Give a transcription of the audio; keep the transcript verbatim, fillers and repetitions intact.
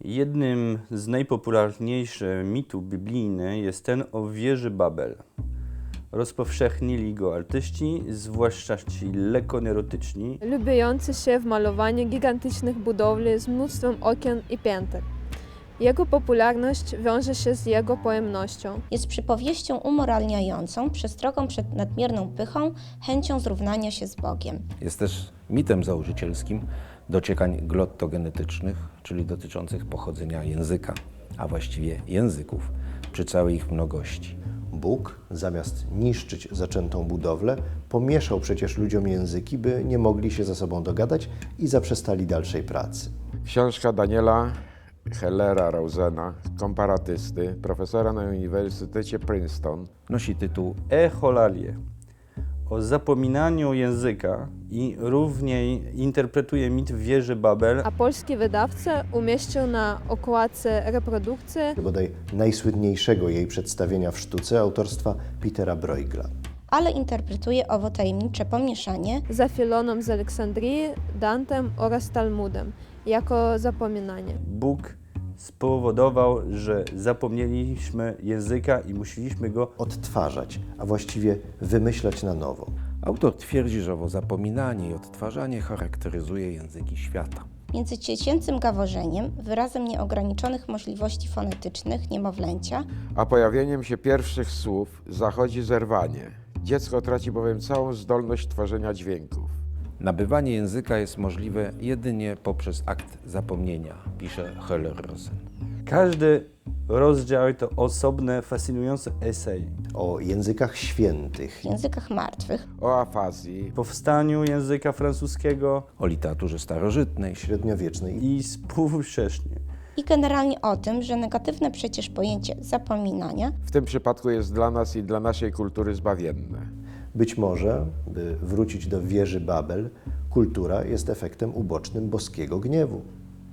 Jednym z najpopularniejszych mitów biblijnych jest ten o wieży Babel. Rozpowszechnili go artyści, zwłaszcza ci lekkonerotyczni, lubiący się w malowaniu gigantycznych budowli z mnóstwem okien i pięter. Jego popularność wiąże się z jego pojemnością. Jest przypowieścią umoralniającą, przestrogą przed nadmierną pychą, chęcią zrównania się z Bogiem. Jest też mitem założycielskim dociekań glottogenetycznych, czyli dotyczących pochodzenia języka, a właściwie języków, przy całej ich mnogości. Bóg, zamiast niszczyć zaczętą budowlę, pomieszał przecież ludziom języki, by nie mogli się ze sobą dogadać i zaprzestali dalszej pracy. Książka Daniela Hellera Rosena, komparatysty, profesora na Uniwersytecie Princeton, Nosi tytuł Echolalie, o zapominaniu języka i równiej interpretuje mit wieży Babel. A polski wydawca umieścił na okładce reprodukcję Bodaj najsłynniejszego jej przedstawienia w sztuce autorstwa Petera Bruegela. Ale interpretuje owo tajemnicze pomieszanie za Filoną z Aleksandrii, Dantem oraz Talmudem jako zapominanie. Bóg spowodował, że zapomnieliśmy języka i musieliśmy go Odtwarzać, a właściwie wymyślać na nowo. Autor twierdzi, że owo zapominanie i odtwarzanie charakteryzuje języki świata. między dziecięcym gaworzeniem, wyrazem nieograniczonych możliwości fonetycznych niemowlęcia, a pojawieniem się pierwszych słów zachodzi zerwanie. Dziecko traci bowiem całą zdolność tworzenia dźwięków. Nabywanie języka jest możliwe jedynie poprzez akt zapomnienia, pisze Heller-Rosen. Każdy rozdział to osobny, fascynujący esej. O językach świętych, w językach martwych, O afazji, Powstaniu języka francuskiego O literaturze starożytnej, średniowiecznej i współcześnie. i generalnie o tym, że negatywne przecież pojęcie zapominania w tym przypadku jest dla nas i dla naszej kultury zbawienne. Być może, by wrócić do wieży Babel, kultura jest efektem ubocznym boskiego gniewu.